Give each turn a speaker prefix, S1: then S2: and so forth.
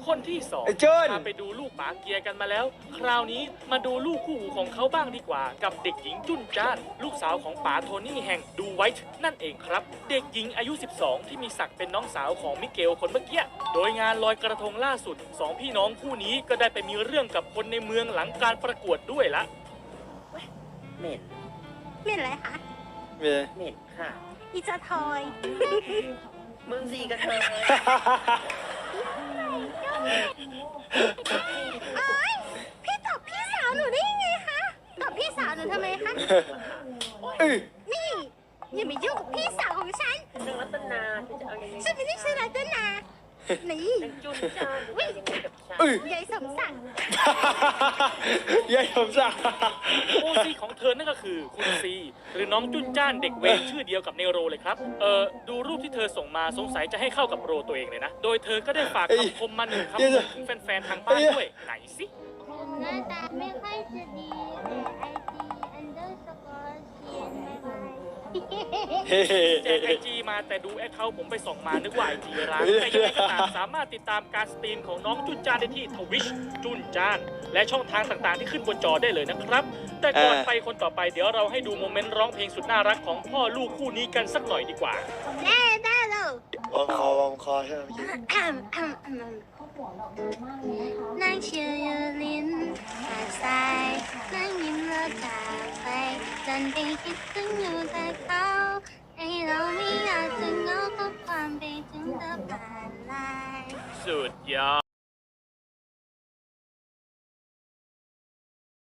S1: คนที่สอง
S2: ไอ้เจิ้น
S1: พาไปดูลูกป๋าเกียร์กันมาแล้ว คราวนี้มาดูลูกคู่หูของเขาบ้างดีกว่า กับเด็กหญิงจุนจ้าน ลูกสาวของป๋าโทนี่แห่งดูไวท์นั่นเองครับ เด็กหญิงอายุ 12 ที่มีศักดิ์เป็นน้องสาวของมิเกลคนเมื่อกี้โดยงานลอยกระทงล่าสุดสองพี่น้องคู่นี้ก็ได้ไปมีเรื่องกับคนในเมืองหลังการประกวดด้วยละ
S3: เหม็น
S4: เหม็นอะไรคะ
S2: เมีย
S3: เหม็นค่ะ
S4: อีจะทอย
S3: มึงสีกันเธอ
S4: เอ้ยพี่ตอบพี่สาวหนูได้ยังไงคะตอบพี่สาวหนูทำไมคะ นี่อย่ามายุ่งกับพี่สาวของฉัน
S3: นางรัตนาเธอจะเอายังไง
S4: ฉันไม่ได้ชื่อรัตนานี่
S3: นางจุนจานหรือว่ายังไงกับฉัน
S4: ยายสมศักดิ์
S2: ยายสมศักดิ์
S1: โอซีของเธอนั่นก็คือคุณซีหรือน้องจุนจ้านเด็กเวรชื่อเดียวกับในโรเลยครับดูรูปที่เธอส่งมาสงสัยจะให้เข้ากับโรตัวเองเลยนะ โดยเธอก็ได้ฝากคำคมมาหนึ่งคำคมถึงแฟนๆทางบ้านด้วยไหนสิ
S5: หน้าตาไม่ค่อยจะดีแต่ไอจีอันเดอร์สกอร์เขียนไม่ไหว
S1: แจกไอจีมาแต่ดูแอคเคาท์ผมไปส่องมานึกว่าไอจีร้างแต่ยังไงก็ตามสามารถติดตามการสตรีมของน้องจุนจ้านได้ที่ทวิชจุนจ้าน และช่องทางต่างๆที่ขึ้นบนจอได้เลยนะครับ แต่ก่อนไปคนต่อไปเดี๋ยวเราให้ดูโมเมนต์ร้องเพลงสุดน่ารักของพ่อลูกคู่นี้กันสักหน่อยดีกว่า
S4: ได้แล้ว
S2: วอมคอใช่ไหมเมื่อกี้
S4: นั่งเชียร์ยูลินหาดทรายนั่งยิ้มแล้วจากไปดันไปคิดถึงอยู่แต่เขาให้เราไม่อยากจะเหงาก็ความไปถึงเธอผ่านไลน์
S1: สุดยอด